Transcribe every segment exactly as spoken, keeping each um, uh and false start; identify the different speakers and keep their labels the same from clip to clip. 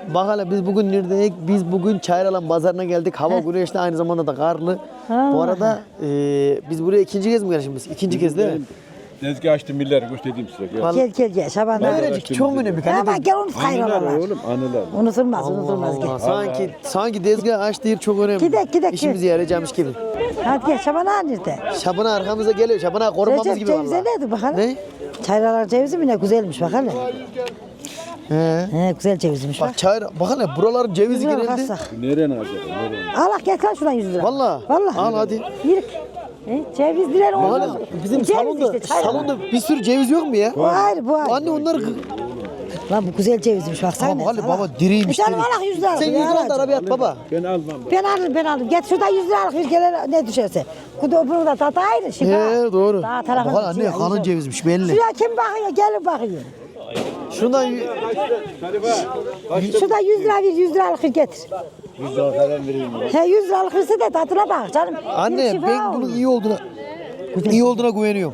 Speaker 1: Bak hele biz bugün neredeyiz? Biz bugün Çayralan pazarına geldik. Hava güneşli, aynı zamanda da karlı.
Speaker 2: Ha.
Speaker 1: Bu arada e, biz buraya ikinci kez mi gelmişiz? İkinci kez değil mi?
Speaker 3: Tezgah açtım milleri göstereyim size. Gel.
Speaker 1: Vallahi-
Speaker 2: Gel gel gel Şaban
Speaker 1: Ne
Speaker 2: abi.
Speaker 1: verecek? Çok önemli.
Speaker 2: Ha bak gel onu
Speaker 3: Anılar
Speaker 2: sayıyorlar.
Speaker 3: oğlum anılar.
Speaker 2: Unutulmaz
Speaker 1: Allah
Speaker 2: unutulmaz
Speaker 1: Allah.
Speaker 2: gel.
Speaker 1: Sanki sanki tezgah açtığı yer çok önemli.
Speaker 2: Gidek, gidek,
Speaker 1: İşimize yarayacakmış gibi.
Speaker 2: Hadi gel Şaban abi nerede?
Speaker 1: Şabına arkamıza geliyor. Şabına korumamız
Speaker 2: Recep
Speaker 1: gibi
Speaker 2: cevize
Speaker 1: vallahi.
Speaker 2: nerede bakalım?
Speaker 1: Ne?
Speaker 2: Çayralar cevizi mi ne güzelmiş bakalım.
Speaker 1: He.
Speaker 2: He güzel cevizmiş bak.
Speaker 1: Bak çayır, bak hele buraların cevizi
Speaker 2: Güzel
Speaker 1: genelde.
Speaker 2: kalsak.
Speaker 3: Nereye acaba? Nereye?
Speaker 2: Allah gel kal şuradan yüz lira.
Speaker 1: Valla.
Speaker 2: Vallahi.
Speaker 1: Al hadi.
Speaker 2: Yürü. He, cevizliler
Speaker 1: Bak
Speaker 2: olmaz.
Speaker 1: hele bizim
Speaker 2: Ceviz
Speaker 1: salonda,
Speaker 2: işte, çayralar.
Speaker 1: salonda bir sürü ceviz yok mu ya?
Speaker 2: Bu ayrı bu ayrı.
Speaker 1: Anne onlar...
Speaker 2: Lan bu güzel cevizmiş baksana.
Speaker 1: Tamam hadi
Speaker 2: Allah.
Speaker 1: baba diriymiş.
Speaker 2: E canım
Speaker 1: diri.
Speaker 2: Allah yüz lira.
Speaker 1: Sen yüz lira da arabaya at baba.
Speaker 3: Ben almam.
Speaker 2: Ben alırım ben alırım. Get şuradan yüz liralık bir kere ne düşerse. Kudu bunun da tadı ayrı. Şifa.
Speaker 1: He doğru.
Speaker 2: Daha
Speaker 1: Bak
Speaker 2: tarafı.
Speaker 1: hele anne kalın cevizmiş belli.
Speaker 2: Şuraya kim bakıyor? Gelin bakıyor.
Speaker 1: Şundan y-
Speaker 2: Şurada yüz lira ver, yüz liralık bir getir.
Speaker 3: yüz lira falan vereyim.
Speaker 2: He yüz liralık verse de tadına bak canım. Bir
Speaker 1: anne
Speaker 2: şifa
Speaker 1: ben
Speaker 2: olur.
Speaker 1: bunun iyi olduğuna iyi olduğuna güveniyorum.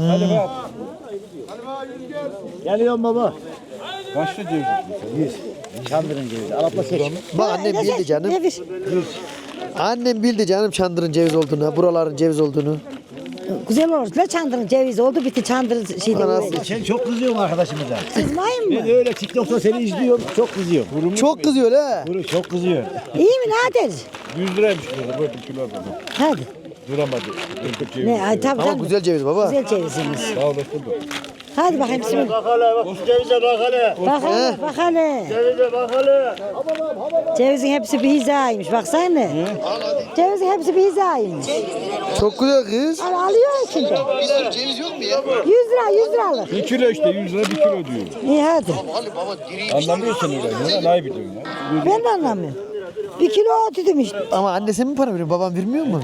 Speaker 4: Geliyorum baba.
Speaker 3: Kaçta ceviz?
Speaker 4: yüz. Çandırın cevizi. Alapla seç.
Speaker 1: Bak annem
Speaker 2: Ne
Speaker 1: bildi
Speaker 2: ver,
Speaker 1: canım.
Speaker 2: ne ver?
Speaker 1: Annem bildi canım Çandır'ın ceviz olduğunu, buraların ceviz olduğunu.
Speaker 2: Güzel olur. Ne çandırın cevizi oldu bitti çandırın şeyde.
Speaker 1: Anası.
Speaker 2: böyle.
Speaker 4: Sen çok kızıyorsun arkadaşımıza.
Speaker 2: Kızmayın mı?
Speaker 4: Ben öyle TikTok'ta seni izliyorum. Çok kızıyorum.
Speaker 1: Çok kızıyor ha.
Speaker 4: Kuru çok kızıyor.
Speaker 2: İyi mi Nadir?
Speaker 3: yüz liraymış burada. Böyle bir kilo aldım.
Speaker 2: Hadi.
Speaker 3: Duramadı. Öldük ceviz.
Speaker 2: Ne ay tabii
Speaker 1: Ama
Speaker 2: tabii.
Speaker 1: güzel ceviz baba.
Speaker 2: Güzel cevizimiz.
Speaker 3: Sağ olasın da.
Speaker 2: Hadi bakayım bismillah.
Speaker 4: Bak hele bak. Şu cevize bak hele.
Speaker 2: Bak hele bak hele.
Speaker 4: Cevize bak hele.
Speaker 2: Cevizin hepsi bir hizaymış baksana. Cevizin hepsi bir hizaymış.
Speaker 1: Çok güzel kız.
Speaker 2: Al alıyor içinde.
Speaker 1: Ceviz yok mu ya?
Speaker 2: yüz lira yüz liralık.
Speaker 3: Bir kilo işte yüz lira bir kilo diyor.
Speaker 2: İyi hadi.
Speaker 3: Anlamıyorsun öyle. Ne layık ediyorsun ya.
Speaker 2: Ben de anlamıyorum. Bir kilo ot dedim işte.
Speaker 1: Ama anne sen mi para veriyor? Babam vermiyor mu?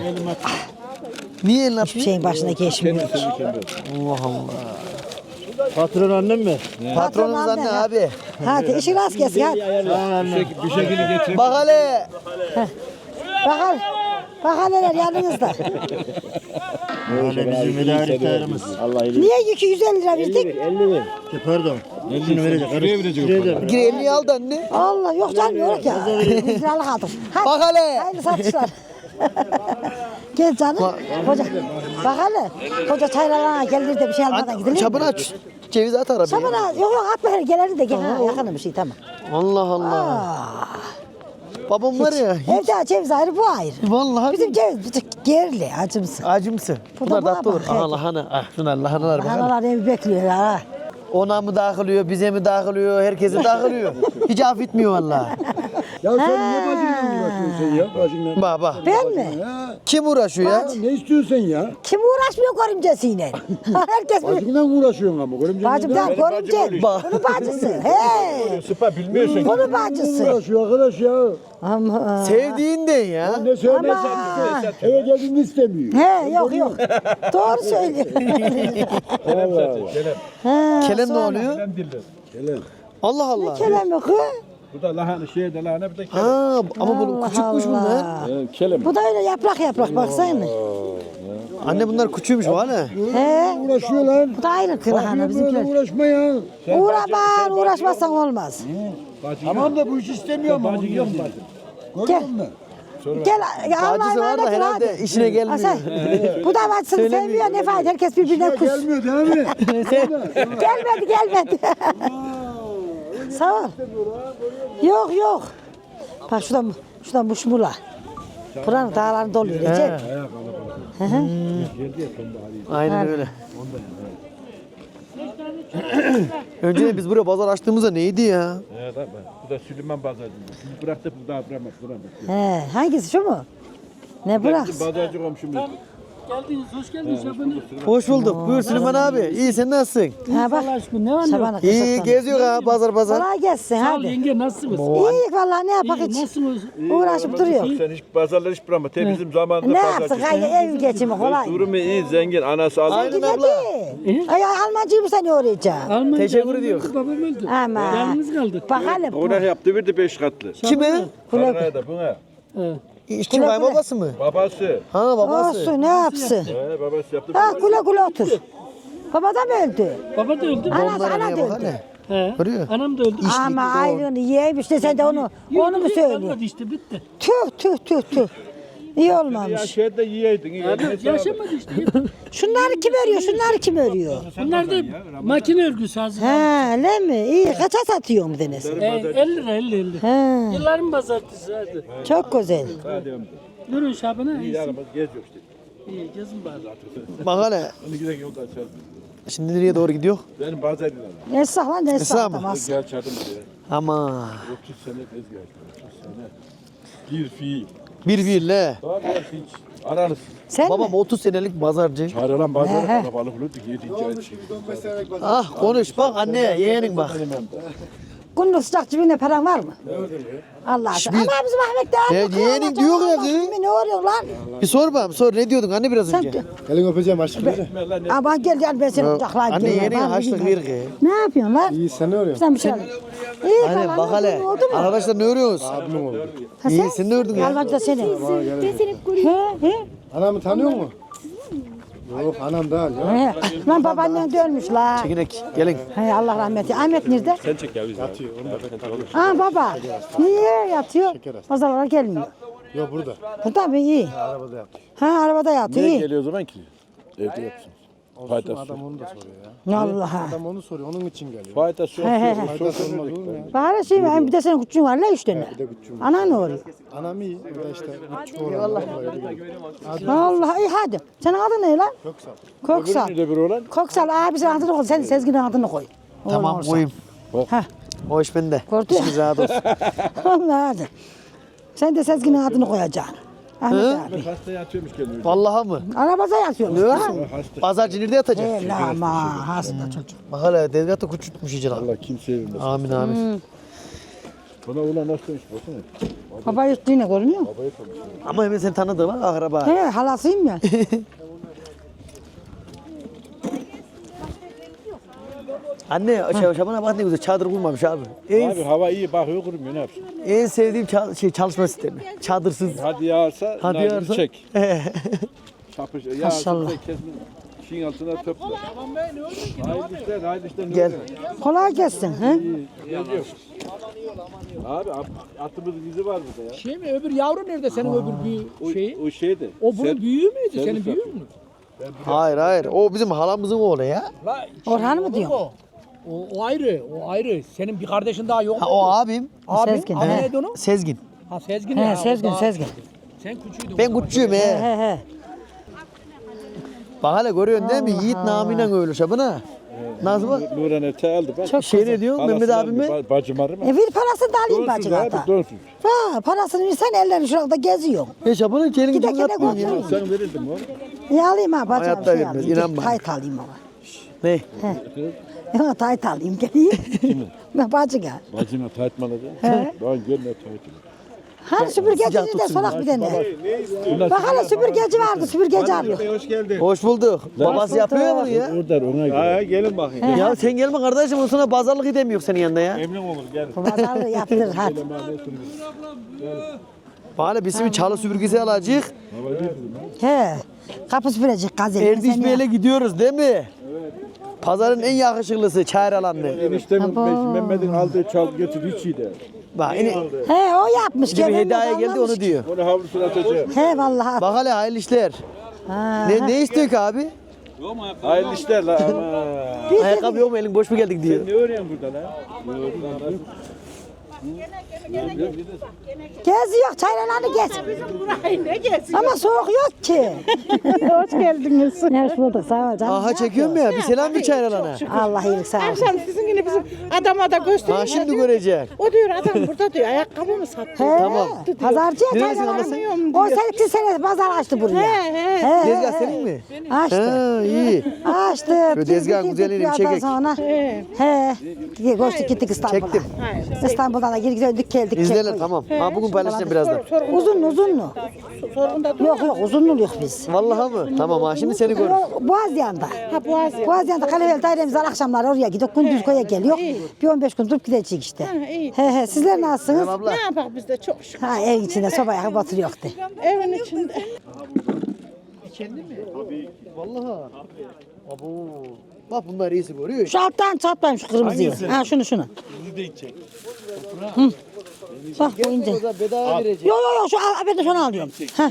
Speaker 1: Niye elini
Speaker 2: Bir
Speaker 1: atmıyor?
Speaker 2: şeyin başına geçmiyor.
Speaker 1: Allah Allah.
Speaker 4: Patron annem mi?
Speaker 1: Patronumuz
Speaker 2: Patron
Speaker 1: anne
Speaker 2: anne,
Speaker 1: abi.
Speaker 2: Hadi işi rast gelsin hadi.
Speaker 3: Bir, şey, bir şekilde getirip
Speaker 1: Bak hele.
Speaker 2: Bakalım. Bakalım neler yanınızda.
Speaker 4: Öyle bizim müdahaliklerimiz. Allah iyilik.
Speaker 2: Niye iki yüz elli lira verdik?
Speaker 4: elli ver. Pardon. Şunu verecek.
Speaker 3: şuraya verecek o
Speaker 4: Şuraya
Speaker 3: parayı.
Speaker 4: da.
Speaker 1: Gir elini aldı anne.
Speaker 2: Allah yok canım yok ya. yüz liralık aldım. Hadi.
Speaker 1: Bak hele.
Speaker 2: Hayırlı satışlar. Gel canım. Koca. Bak hele. Koca çaylarına gelir de bir şey almadan gidilir mi?
Speaker 1: Çabını aç. Ceviz at arabaya.
Speaker 2: Şabana yok yok atma hele gelir de gel. Ha, yakın bir şey tamam.
Speaker 1: Allah Allah.
Speaker 2: Aa,
Speaker 1: Babam var ya.
Speaker 2: evde ceviz ayrı bu ayrı.
Speaker 1: Vallahi
Speaker 2: Bizim ceviz bir tık gerli acımsı.
Speaker 1: acımsı.
Speaker 2: Bu da
Speaker 1: Bunlar
Speaker 2: buna
Speaker 1: tatlı olur.
Speaker 2: bak,
Speaker 1: Aha
Speaker 2: evet.
Speaker 1: lahana. Ah şunlar lahanalar bak. hele.
Speaker 2: Analar evi bekliyor ha.
Speaker 1: Ona mı dağılıyor, bize mi dağılıyor, herkese dağılıyor. Hiç affetmiyor vallahi.
Speaker 3: Ya sen niye bacınla uğraşıyorsun ya? Bacınla.
Speaker 1: Bak bak.
Speaker 2: Ben mi?
Speaker 1: Kim uğraşıyor ya?
Speaker 3: Ne istiyorsun sen ya?
Speaker 2: Kim uğraşmıyor görümcesiyle? Herkes bir...
Speaker 3: Bacınla uğraşıyorsun ama. Görümce
Speaker 2: Bacımdan görümce.
Speaker 1: Bak.
Speaker 2: Bunun bacısı. He.
Speaker 3: Sıpa bilmiyorsun.
Speaker 2: Bunun bacısı.
Speaker 3: Uğraşıyor arkadaş ya.
Speaker 2: Ama.
Speaker 1: Sevdiğinden ya.
Speaker 3: Ne söylersen
Speaker 2: Ama.
Speaker 3: eve geldiğini istemiyor.
Speaker 2: He yok yok. Doğru söylüyor.
Speaker 3: Allah Allah.
Speaker 2: He,
Speaker 1: Kelem ne
Speaker 2: sonra.
Speaker 1: oluyor?
Speaker 3: Gelen.
Speaker 1: Allah Allah.
Speaker 2: Kelem yok. Hı?
Speaker 3: Bu da lahana şey de lahana bir de kelem.
Speaker 1: Ha ama bu
Speaker 2: Allah
Speaker 1: küçükmüş bunlar.
Speaker 2: Allah.
Speaker 3: Evet, kelem.
Speaker 2: Bu da öyle yaprak yaprak baksana.
Speaker 1: Anne bunlar küçüğümüş valla.
Speaker 2: He.
Speaker 3: Uğraşıyor lan.
Speaker 2: Bu da ayrı kırahana bizimkiler.
Speaker 3: Uğraşma ya.
Speaker 2: Uğraşma, uğraşmazsan olmaz.
Speaker 3: Tamam da bu iş istemiyor ama. Bacın yok bacın.
Speaker 2: Gel. Gel, Allah'a
Speaker 1: Bacısı var da
Speaker 2: emanet ol
Speaker 1: herhalde
Speaker 2: hadi.
Speaker 1: işine gelmiyor.
Speaker 2: Hasan, bu da bacısını sevmiyor ne fayda herkes birbirine kus.
Speaker 3: Gelmiyor değil mi?
Speaker 2: Gelmedi gelmedi. Sağ ol. Yok yok. Bak şuradan şuradan muşmula. Buranın dağlarını doluyor Recep. Hı hı.
Speaker 1: Aynen öyle. Önceden biz buraya pazar açtığımızda neydi ya?
Speaker 3: Evet abi. Bu da Süleyman Pazarcı. Sizi bıraktık bu daha bırakmaz. Bırakmaz.
Speaker 2: He, hangisi şu mu? Ne bırak?
Speaker 3: Bizim Pazarcı komşumuz.
Speaker 5: Geldiniz, hoş geldiniz Şaban'ı.
Speaker 1: Hoş bulduk. Buyur Süleyman abi. İyi sen nasılsın?
Speaker 2: Ha bak.
Speaker 5: Allah aşkına ne var ne yok?
Speaker 2: Şaban'a
Speaker 1: İyi
Speaker 2: kısıtlandı.
Speaker 1: geziyor ha pazar pazar.
Speaker 2: Kolay gelsin
Speaker 5: Sağ ol
Speaker 2: hadi.
Speaker 5: yenge nasılsınız?
Speaker 2: İyi vallahi ne yapak
Speaker 5: İyi,
Speaker 2: hiç.
Speaker 5: nasılsınız?
Speaker 2: Uğraşıp duruyor.
Speaker 3: Sen hiç pazarlar hiç bırakma. Te bizim zamanında
Speaker 2: Ne
Speaker 3: pazarcı.
Speaker 2: yapsın hayır ev geçimi kolay.
Speaker 3: Durumu iyi, zengin, anası aldı.
Speaker 1: Aynen
Speaker 2: Ne
Speaker 1: abla.
Speaker 2: ki? Ay Almancıyı mı sen öğreteceksin?
Speaker 5: Almanya
Speaker 1: Teşekkür
Speaker 5: canım
Speaker 1: ediyor.
Speaker 5: öldü, Babam öldü.
Speaker 2: Ama.
Speaker 5: Yalnız kaldık.
Speaker 2: Bak hele.
Speaker 3: Ona yaptı verdi beş katlı.
Speaker 1: Kime?
Speaker 3: Paraya da buna.
Speaker 5: Evet.
Speaker 1: Kim kaybolması mı?
Speaker 3: Babası.
Speaker 1: Ha babası.
Speaker 2: Olsun ne yapsın?
Speaker 3: He, babası yaptı.
Speaker 2: Ha güle güle otur. Baba da mı öldü?
Speaker 5: Baba da öldü.
Speaker 2: Ana,
Speaker 1: Onlara
Speaker 2: ana
Speaker 1: neye
Speaker 2: da
Speaker 1: bak
Speaker 2: öldü.
Speaker 1: hele.
Speaker 5: He.
Speaker 1: Görüyor.
Speaker 5: Anam da öldü.
Speaker 2: Ama ayrını yiyeymiş de sen de onu onu mu söylüyorsun?
Speaker 5: Kalmadı işte bitti.
Speaker 2: Tüh tüh tüh tüh. İyi olmamış.
Speaker 3: Şeyde yiyeydin.
Speaker 5: Yaşamadı işte.
Speaker 2: Şunları kim örüyor? Şunları kim örüyor?
Speaker 5: Bunlar da makine örgüsü hazır.
Speaker 2: He, öyle mi? İyi. Kaça satıyor mu Deniz?
Speaker 5: E, elli lira elli elli.
Speaker 2: He,
Speaker 5: Yılların pazartesi hadi.
Speaker 2: çok güzel.
Speaker 5: Yürüyün Şaban'a. İyi,
Speaker 3: Geziyor işte.
Speaker 5: iyi gezin bari.
Speaker 1: Bak hele.
Speaker 3: Onu giden yolda açarız.
Speaker 1: Şimdi nereye doğru gidiyor?
Speaker 3: Benim bazen diyorlar.
Speaker 2: Esnaf lan
Speaker 1: Esnaf
Speaker 2: esnaf
Speaker 1: mı?
Speaker 2: tamaz.
Speaker 3: Gel çadım diye.
Speaker 1: Ama
Speaker 3: otuz sene tezgah. otuz sene. Bir fiil.
Speaker 1: bir birle.
Speaker 3: Daha bir hiç. Aranız.
Speaker 2: Sen
Speaker 1: Babam
Speaker 2: mi?
Speaker 1: otuz senelik pazarcı.
Speaker 3: Çağrılan bazıları kalabalık olurdu. Yedinci ay şey.
Speaker 1: Ah konuş bak anne yeğenin bak.
Speaker 2: Günlük sıcak cebinde paran var mı? Allah aşkına. Ama bizim Ahmet de
Speaker 1: Ya
Speaker 2: aldı.
Speaker 1: yeğenin diyor ya kız.
Speaker 2: Ne oluyor lan?
Speaker 1: Bir sor bakalım sor ne diyordun anne biraz
Speaker 2: Sen
Speaker 1: önce?
Speaker 3: Elin öpeceğim aşkım.
Speaker 2: Ama gel gel ben seni kucaklayayım.
Speaker 1: Anne
Speaker 2: gel.
Speaker 1: yeğenin
Speaker 2: Ben
Speaker 1: haçlık
Speaker 2: gideyim.
Speaker 1: ver ki.
Speaker 2: Ne yapıyorsun lan?
Speaker 3: İyi sen ne örüyorsun?
Speaker 2: Sen bir şey al. İyi
Speaker 1: Anne
Speaker 2: falan.
Speaker 1: bak hele.
Speaker 2: Oldu mu?
Speaker 1: Arkadaşlar ne örüyorsunuz?
Speaker 3: Abim oldu.
Speaker 2: Ha,
Speaker 1: İyi sen ne ördün ya?
Speaker 2: Yalvancı da seni. He he.
Speaker 3: Anamı tanıyor musun? Yok anam değil ya.
Speaker 2: He. Lan babaannen de ölmüş la.
Speaker 1: Çekinek gelin.
Speaker 2: He Allah rahmet eylesin. Ahmet nerede?
Speaker 3: Sen çek ya bizi. Yatıyor. Onu da sıkıntı olur.
Speaker 2: Ha baba. Niye yatıyor? Pazarlara gelmiyor.
Speaker 3: Yok burada.
Speaker 2: Burada mı iyi?
Speaker 3: Arabada yatıyor.
Speaker 2: Ha arabada yatıyor. iyi.
Speaker 3: Geliyor o zaman ki? Evde yatsın. Faydası adam onu da soruyor ya.
Speaker 2: Allah'a.
Speaker 3: Adam onu soruyor. Onun için geliyor. Faydası yok.
Speaker 2: He, he, he.
Speaker 3: Faydası olmaz olur mu ya?
Speaker 2: Bari şey mi? Bir de senin küçüğün var la üç tane.
Speaker 3: Bir de küçüğüm.
Speaker 2: Ana ne oluyor?
Speaker 3: Anam iyi. Bir de işte küçük oğlan.
Speaker 2: Allah iyi hadi. Senin adın ne lan?
Speaker 3: Köksal.
Speaker 2: Koksal.
Speaker 3: Bir de bir oğlan.
Speaker 2: Koksal abisinin adını koy. Sen Sezgin'in adını koy.
Speaker 1: Tamam
Speaker 2: Olmazsa.
Speaker 1: koyayım.
Speaker 2: Ha.
Speaker 1: O iş bende.
Speaker 2: Gördün mü?
Speaker 1: İşiniz rahat olsun.
Speaker 2: Allah hadi. Sen de Sezgin'in adını koyacaksın. Ahmet abi.
Speaker 3: Hasta yatıyormuş geliyor.
Speaker 1: Vallahi mı?
Speaker 2: Arabada yatıyormuş.
Speaker 1: Ne
Speaker 2: lan.
Speaker 1: olsun? Pazarcı nerede yatacak?
Speaker 2: He la ama hasta çocuk.
Speaker 1: Bak hele tezgahta küçültmüş iyice lan.
Speaker 3: Allah kimseye vermesin.
Speaker 1: Amin amin.
Speaker 3: Bana oğlan nasıl demiş baksana.
Speaker 2: Baba üstüne görünüyor mu?
Speaker 1: Ama hemen seni tanıdı bak akraba.
Speaker 2: He halasıyım ya.
Speaker 1: Anne şey, Şaban'a bak ne güzel çadır kurmamış abi. En,
Speaker 3: Abi hava iyi bakıyor kurumuyor ne yapsın?
Speaker 1: en sevdiğim ça- şey, çalışma sistemi. Çadırsız.
Speaker 3: Hadi yağarsa
Speaker 1: Hadi
Speaker 3: nargile
Speaker 1: yağarsa.
Speaker 3: çek. Çapış. Yağarsa
Speaker 2: Maşallah.
Speaker 3: çek kesme. Şeyin altına töple. Haydi işler haydi işler.
Speaker 1: Gel.
Speaker 2: Kolay gelsin. He?
Speaker 3: Geliyor. Abi at- atımızın izi var burada ya.
Speaker 5: Şey mi öbür yavru nerede senin öbür büyü
Speaker 3: O,
Speaker 5: şeyi?
Speaker 3: o şeydi.
Speaker 5: O bunun
Speaker 3: Sen-
Speaker 5: büyüğü müydü?
Speaker 3: servis
Speaker 5: Senin büyüğün
Speaker 3: yapıyor.
Speaker 5: mü?
Speaker 1: Hayır hayır. O bizim halamızın oğlu ya.
Speaker 5: La,
Speaker 2: Orhan mı
Speaker 5: olur
Speaker 2: diyorsun?
Speaker 5: O, o, o ayrı, o ayrı. Senin bir kardeşin daha yok
Speaker 1: Ha,
Speaker 5: mu?
Speaker 1: o abim.
Speaker 5: Abi,
Speaker 2: Sezgin,
Speaker 5: adı
Speaker 2: he.
Speaker 5: neydi onun?
Speaker 1: Sezgin.
Speaker 5: Ha Sezgin
Speaker 2: He
Speaker 5: ya. o
Speaker 2: Sezgin
Speaker 5: daha-
Speaker 2: Sezgin.
Speaker 5: Sen küçüğüydün.
Speaker 1: Ben küçüğüm
Speaker 2: He
Speaker 1: he.
Speaker 2: he he.
Speaker 1: Bak hele görüyorsun değil mi? Yiğit namıyla öyle Şaban'a. Nasıl bak?
Speaker 3: Nuran ete aldı bak.
Speaker 2: Çok
Speaker 1: Şey
Speaker 2: güzel.
Speaker 1: ne diyorsun
Speaker 3: Halasını
Speaker 1: Mehmet
Speaker 3: aldı,
Speaker 1: abime?
Speaker 3: ba- Bacım var mı?
Speaker 2: E bir parasını da alayım
Speaker 3: Donsuz
Speaker 2: bacı
Speaker 3: abi
Speaker 2: kata.
Speaker 3: donsuz.
Speaker 2: Ha parasını versen ellerini şurada geziyor.
Speaker 1: E Şaban'ın kelin
Speaker 2: Gide
Speaker 1: gücünü
Speaker 2: gide
Speaker 1: yapmıyorsun ya.
Speaker 2: götürün.
Speaker 3: Sen verirdin mi oğlum?
Speaker 2: E alayım ha bacı
Speaker 1: Hayatta
Speaker 2: bir şey
Speaker 1: vermez,
Speaker 2: alayım.
Speaker 1: inan
Speaker 2: Gel,
Speaker 1: bana.
Speaker 2: Tayt alayım ama.
Speaker 1: Ne?
Speaker 2: Ya tayt alayım geleyim.
Speaker 3: Kimin?
Speaker 2: Ne bacı gel.
Speaker 3: Bacına taytmalı da.
Speaker 2: He.
Speaker 3: Ben görme taytmalı.
Speaker 2: Hani süpürgeci de sorak bir tane. Bak hele süpürgeci vardı süpürgeci aldık.
Speaker 1: Hoş bulduk. Babası yapıyor ya bunu ya.
Speaker 3: Oradan ona göre. Ha gelin bakayım.
Speaker 1: Ya sen gelme kardeşim o sana pazarlık edemiyor senin yanında ya.
Speaker 3: Emin olur gel.
Speaker 2: Bu pazarlığı yaptır hadi.
Speaker 1: Bana bizim bir çalı süpürgesi alacak.
Speaker 2: He. Kapı süpürecek gazel.
Speaker 1: Erdiş Bey'le gidiyoruz değil mi? Pazarın en yakışıklısı çayır alanlı.
Speaker 3: Eniştemin Mehmet'in aldığı çal getir hiç iyi de.
Speaker 1: Bak yine
Speaker 2: He o yapmış.
Speaker 1: gibi
Speaker 2: gelen
Speaker 1: hediye
Speaker 2: de
Speaker 1: geldi
Speaker 2: anlamış
Speaker 1: onu
Speaker 2: ki.
Speaker 1: diyor.
Speaker 3: Onu havlusuna atacağım.
Speaker 2: He vallahi.
Speaker 1: Bak hele hayırlı işler.
Speaker 2: Ha.
Speaker 1: Ne, ne istiyor ki abi?
Speaker 3: Hayırlı işler la ama.
Speaker 2: Bir
Speaker 1: Ayakkabı yok mu elin boş mu geldik diyor.
Speaker 3: Ne öğreniyorsun burada la?
Speaker 2: Geziyor çaylarını gez.
Speaker 6: Burayı ne gelsin?
Speaker 2: Ama soğuk yok ki.
Speaker 6: Hoş geldiniz.
Speaker 2: Hoş bulduk sağ ol canım.
Speaker 1: Aha çekiyorum ya bir selam bir çayır alana.
Speaker 2: Allah iyilik sağ olsun.
Speaker 6: Akşam sizin yine bizim adama da gösteriyor.
Speaker 1: Ha şimdi görecek.
Speaker 6: O diyor adam burada diyor ayakkabı mı sattı?
Speaker 2: He,
Speaker 1: Tamam.
Speaker 2: Pazarcıya
Speaker 1: Neresi
Speaker 2: çaylarını. O sekiz sene pazar açtı buraya.
Speaker 6: He he.
Speaker 2: He,
Speaker 1: Tezgah
Speaker 2: he,
Speaker 1: senin mi?
Speaker 2: Açtı.
Speaker 1: Ha iyi.
Speaker 2: Açtı.
Speaker 1: Şu tezgahın
Speaker 2: Girdik
Speaker 1: güzelliğini bir
Speaker 2: bir yerden
Speaker 1: çekek.
Speaker 2: Sonra.
Speaker 6: He.
Speaker 2: He. Koştuk gittik İstanbul'a.
Speaker 1: Çektim.
Speaker 2: İstanbul'dan da girdik döndük geldik.
Speaker 1: İzleyelim
Speaker 2: Çek koy.
Speaker 1: tamam. Ha bugün paylaşacağım birazdan.
Speaker 2: Uzun uzun mu?
Speaker 6: Sorgunda
Speaker 2: Yok yok uzunlu yok biz.
Speaker 1: Vallahi mı? Tamam ha şimdi seni gör.
Speaker 2: Yok, Boğazyan'da.
Speaker 6: Ha boğaz ya.
Speaker 2: Boğazyan'da Kalevel dairemiz var akşamlar oraya gidiyor. Gündüz koya geliyor. Bir on beş gün durup gidecek işte.
Speaker 6: Ha, iyi.
Speaker 2: He he sizler nasılsınız?
Speaker 1: Abla.
Speaker 6: Ne yapak biz de çok şükür.
Speaker 2: Ha ev içinde soba yakıp oturuyor de.
Speaker 6: Evin içinde.
Speaker 1: Vallahi. Abo. Bak bunlar iyisi görüyor.
Speaker 2: Şu alttan çatlayayım şu kırmızıyı. Ha şunu şunu. Hı. Bak bu ince.
Speaker 1: O da bedava verecek.
Speaker 2: Yok yok yok şu al, ben de şunu alıyorum. Ha.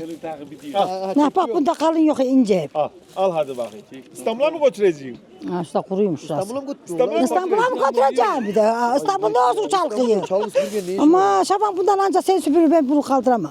Speaker 2: Ne bak bunda kalın yok ince.
Speaker 3: Al, al hadi bakayım. İstanbul'a mı götüreceğim?
Speaker 2: Ha işte kuruymuş şurası.
Speaker 1: İstanbul'a mı götürüyorlar?
Speaker 2: İstanbul'a mı götüreceğim bir de? Ha, İstanbul'da olsun çalkıyı.
Speaker 1: Çalı süpürge ne işi var?
Speaker 2: Ama Şaban bundan ancak sen süpürür ben bunu kaldıramam.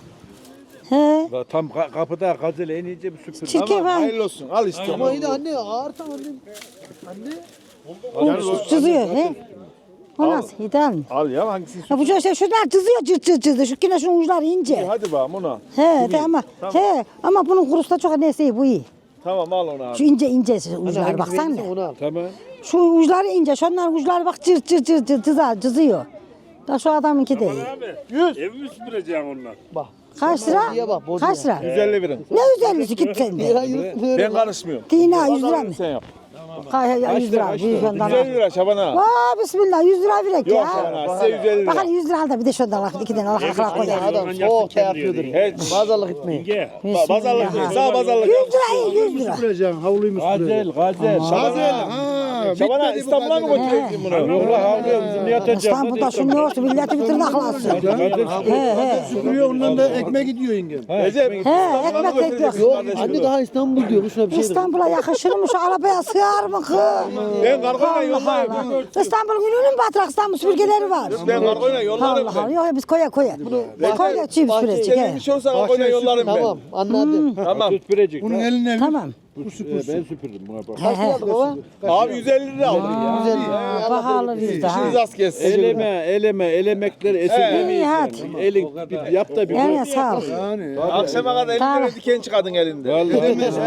Speaker 2: He.
Speaker 3: Tam ka- kapıda gazel en ince bir süpür.
Speaker 2: Çirkin
Speaker 3: Tamam,
Speaker 2: ha.
Speaker 3: hayırlı olsun. Al işte.
Speaker 1: Ama yine anne ağır tam anne. Anne.
Speaker 2: Bu çiziyor he. O nasıl? İdeal mi?
Speaker 3: Al ya hangisini
Speaker 2: Ya bu işte şunlar çiziyor cırt cırt cırt. Şu yine şunun uçları ince.
Speaker 3: Hadi bakalım ona.
Speaker 2: He de ama he ama bunun kurusu da çok neyse iyi bu iyi.
Speaker 3: Tamam al onu abi.
Speaker 2: Şu ince ince
Speaker 1: Anne
Speaker 2: uçları
Speaker 1: hangisi
Speaker 2: baksana.
Speaker 1: beğendiyse onu al.
Speaker 3: Tamam.
Speaker 2: Şu uçları ince, şunların uçları bak cırt cırt cırt cırt cızar, cızıyor. Da şu adamınki değil.
Speaker 3: Ev mi süpüreceğim onlar?
Speaker 1: Bak.
Speaker 2: Kaç lira?
Speaker 1: Bozuya bak, bozuya.
Speaker 2: Kaç lira?
Speaker 3: yüz elli verin.
Speaker 2: Ne yüz ellisi git sen
Speaker 1: Ya
Speaker 2: de.
Speaker 1: yürü,
Speaker 3: Ben
Speaker 1: yürü.
Speaker 3: karışmıyorum.
Speaker 2: Dina yüz lira mı?
Speaker 3: Sen yap.
Speaker 2: Kay ya yüz lira. yüz
Speaker 3: yüz
Speaker 2: liradan
Speaker 3: elli
Speaker 2: al.
Speaker 3: lira Şaban'a.
Speaker 2: Vaa bismillah yüz lira verek
Speaker 3: Yok
Speaker 2: ya.
Speaker 3: Şaban'a size yüz elli lira.
Speaker 2: Bakalım yüz lira al da bir de şundan al. İki tane al. Akla koy.
Speaker 1: Anne adam soğuk da yapıyordur.
Speaker 3: Hiç.
Speaker 1: Pazarlık etmeyin.
Speaker 3: Ba- Pazarlık değil. Sağ pazarlık.
Speaker 2: Yüz lira iyi yüz lira.
Speaker 4: Süpüreceğim, havluyu mu süpüreceğim?
Speaker 3: gazel. Şaban'a. Şaban'a İstanbul'a mı götüreceğim bunu? Yok la havluyor bizim yatacağım.
Speaker 2: İstanbul'da şunu yoktu. Milleti bitirdi aklansın. He he.
Speaker 4: Süpürüyor, ondan da ekmek gidiyor yengem.
Speaker 3: Recep.
Speaker 2: He ekmek bekliyor.
Speaker 1: Yok anne daha İstanbul diyor. Şuna bir şey de.
Speaker 2: İstanbul'a yakışır mı şu arabaya sığar mı kız?
Speaker 3: Ben kargoyla
Speaker 2: Allah
Speaker 3: yollarım.
Speaker 2: Allah. İstanbul gününün mü batrak İstanbul süpürgeleri var?
Speaker 3: Ben kargoyla yollarım
Speaker 2: Allah Allah.
Speaker 3: ben.
Speaker 2: Yok yok, biz koya koya. Koya çiğ süpürecek.
Speaker 3: Senin
Speaker 2: he.
Speaker 3: bir şey olsa kargoyla yollarım ben.
Speaker 1: Tamam anladım.
Speaker 3: Tamam. Süpürecek.
Speaker 4: Bunun eline
Speaker 2: Tamam.
Speaker 3: Ben süpürdüm buna bak.
Speaker 1: Kaç lira aldık baba?
Speaker 3: Abi yüz elli lira aldık ya.
Speaker 1: Güzel.
Speaker 2: Aa, Pahalı bizde ha.
Speaker 3: İşiniz az kessin.
Speaker 7: Eleme, eleme, elemekler esirgemeyiz.
Speaker 2: İyi hadi.
Speaker 7: yani. Elin bir yap da bir
Speaker 2: Evet sağ ol.
Speaker 3: Akşama kadar elli
Speaker 2: Tamam.
Speaker 3: lira diken çıkardın elinde.
Speaker 7: Vallahi
Speaker 4: edemez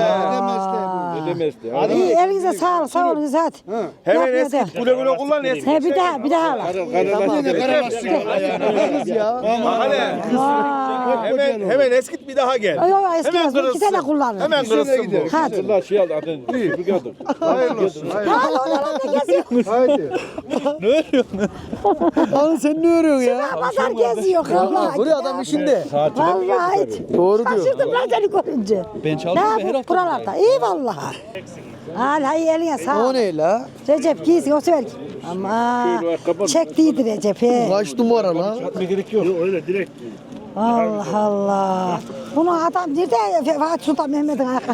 Speaker 7: edemez de.
Speaker 2: Hadi elinize sağ ol, sağ olun hadi.
Speaker 3: Hemen
Speaker 2: Yapma
Speaker 3: eski
Speaker 2: de.
Speaker 3: güle güle kullan eski.
Speaker 2: He bir daha bir daha al.
Speaker 1: Kız ya.
Speaker 3: Hele.
Speaker 2: Aa.
Speaker 3: Hemen hemen eskit bir daha gel.
Speaker 2: Ay ay eski
Speaker 3: Hemen
Speaker 2: yazma iki
Speaker 3: kırılsın.
Speaker 2: tane kullanın.
Speaker 3: Hemen kırılsın bu.
Speaker 2: Hadi.
Speaker 7: Allah şey aldı adın. Süpürge aldı.
Speaker 4: Hayırlı olsun.
Speaker 2: Hadi oralar ne geziyor?
Speaker 4: Haydi.
Speaker 1: Abi sen ne örüyorsun ya?
Speaker 2: Pazar geziyor Allah.
Speaker 1: Buraya adam işinde.
Speaker 2: Vallahi.
Speaker 1: Doğru diyor.
Speaker 2: Şaşırdım lan seni görünce. Ben çalışıyorum her hafta. Buralarda. İyi vallahi. Al hay eline sağ
Speaker 1: O
Speaker 2: ol.
Speaker 1: ne la?
Speaker 2: Recep giysin o sever ki. Ama çektiydi Recep he.
Speaker 1: Kaç numara la?
Speaker 7: Gerek yok.
Speaker 2: Allah Allah. Bunu adam nerede? Fatih Sultan Mehmet'in ayakkabı.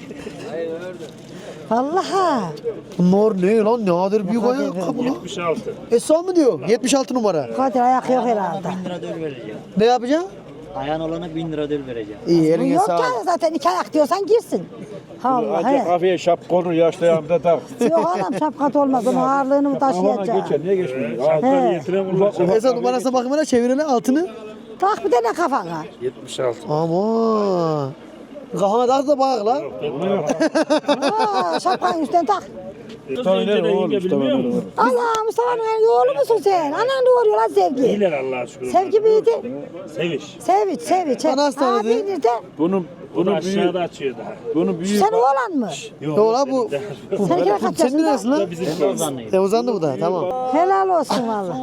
Speaker 2: Vallahi.
Speaker 1: Bunlar ne lan? Ne kadar büyük ayakkabı lan?
Speaker 3: yetmiş altı.
Speaker 1: Esra mı diyor? yetmiş altı numara.
Speaker 2: Kadir ayak yok herhalde.
Speaker 8: bin lira ödül vereceğim.
Speaker 1: Ne yapacaksın?
Speaker 8: Ayağın olana bin lira ödül vereceğim.
Speaker 1: İyi eline
Speaker 2: Yok
Speaker 1: sağlık.
Speaker 2: ya zaten iki ayak diyorsan girsin. Allah
Speaker 7: Ancak
Speaker 2: he.
Speaker 7: kafaya şap konur yaşlı yanımda tak.
Speaker 2: Yok anam şapkat olmaz. Onun ağırlığını mı
Speaker 7: Kafana
Speaker 2: taşıyacak?
Speaker 7: geçer niye geçmiyor?
Speaker 2: He.
Speaker 1: Esra numarasına bakımına çevirene altını.
Speaker 2: Tak bir tane kafana.
Speaker 1: Aman. Kafana daha da bak la.
Speaker 2: Aa, şapkanın üstüne tak.
Speaker 7: Tanrı oğlum Mustafa.
Speaker 2: Allah Mustafa'nın oğlu musun sen? Anan doğuruyor lan Sevgi.
Speaker 3: İyiler Allah'a şükür.
Speaker 2: Sevgi miydi?
Speaker 3: Seviş.
Speaker 2: Sevinç, sevinç.
Speaker 1: Ana hastanede.
Speaker 2: Abi nerede?
Speaker 7: Bunun bunun büyüğü,
Speaker 3: Aşağıda açıyor daha.
Speaker 7: bunun büyüğü.
Speaker 2: Sen oğlan mı?
Speaker 1: Yok la bu.
Speaker 2: Seninki de kaç
Speaker 1: Senin
Speaker 2: yaşında?
Speaker 1: neresi lan? Sen uzandı bu da tamam.
Speaker 2: Helal olsun valla.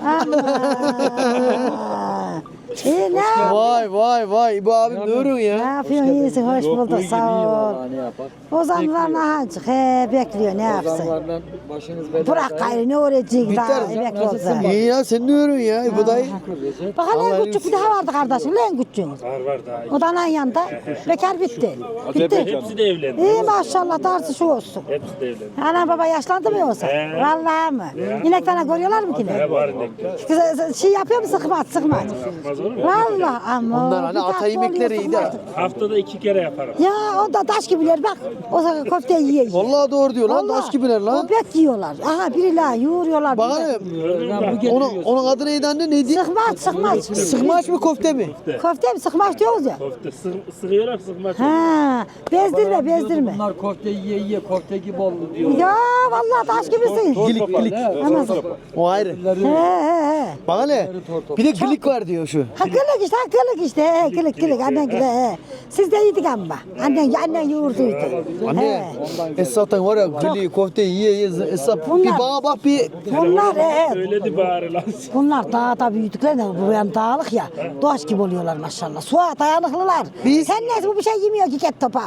Speaker 2: Allah. İyi ne?
Speaker 1: Vay vay vay. Bu abim ne örüyorsun
Speaker 2: Ne
Speaker 1: ya?
Speaker 2: yapıyorsun? İyisin, hoş bulduk, sağ ol. Ozanlar nahacık, he bekliyor, ne yapsın? Bırak gayrı, ne öğretecek daha, emekli olsa.
Speaker 1: İyi ya sen ne örüyorsun ya? Bu da
Speaker 2: Bak hele en küçük bir daha vardı kardeşim, en küçük.
Speaker 3: Var var daha.
Speaker 2: O da anan yanında, bekar bitti. Bitti.
Speaker 3: Hepsi de evlendi.
Speaker 2: İyi maşallah, darısı şu olsun.
Speaker 3: Hepsi de evlendi.
Speaker 2: Ana baba yaşlandı mı yoksa? Vallahi mı? İneklerine görüyorlar mı ki ne?
Speaker 3: Var inekler.
Speaker 2: Kız- Şey yapıyor mu sıkmaç, sıkmaç? Vallahi ama.
Speaker 1: Onlar hani
Speaker 2: bir
Speaker 1: ata
Speaker 2: tatlı
Speaker 1: yemekleri
Speaker 2: oluyor,
Speaker 1: iyi de.
Speaker 2: sıkmaç.
Speaker 3: Haftada iki kere yaparım.
Speaker 2: Ya o da taş gibiler bak. O zaman köfte yiyor. yiyor.
Speaker 1: Vallahi doğru diyor lan. Taş gibiler lan.
Speaker 2: O bet yiyorlar. Aha biri la yoğuruyorlar.
Speaker 1: Bak hele. Onun, onun adı neydi anne? Neydi?
Speaker 2: Sıkmaç sıkmaç.
Speaker 1: Sıkmaç mı köfte mi?
Speaker 2: Köfte mi sıkmaç diyoruz ya.
Speaker 3: Köfte sır, sırıyorlar sıkma.
Speaker 2: Ha, bezdirme bezdirme.
Speaker 5: Bunlar köfte yiye yiye köfte gibi oldu diyor.
Speaker 2: Ya vallahi taş gibisin.
Speaker 1: Gilik gilik.
Speaker 2: Anasın.
Speaker 1: O ayrı.
Speaker 2: He he he.
Speaker 1: Bak hele. Bir de gilik var diyor şu.
Speaker 2: Ha kılık işte, ha kılık işte, he, kılık kılık annen gibi he. Siz de yedik ama. Annen annen yoğurduydu.
Speaker 1: Anne. Esat'tan var ya gili köfte yiye yiye. Esat bir bana bak bir.
Speaker 2: Bunlar he.
Speaker 3: Öyledi bari lan.
Speaker 2: Bunlar dağda büyüdükler de bu yan dağlık ya. Doğaç gibi oluyorlar maşallah. Suya dayanıklılar.
Speaker 1: Biz-
Speaker 2: Sen neyse bu bir şey yemiyor ki ket topa.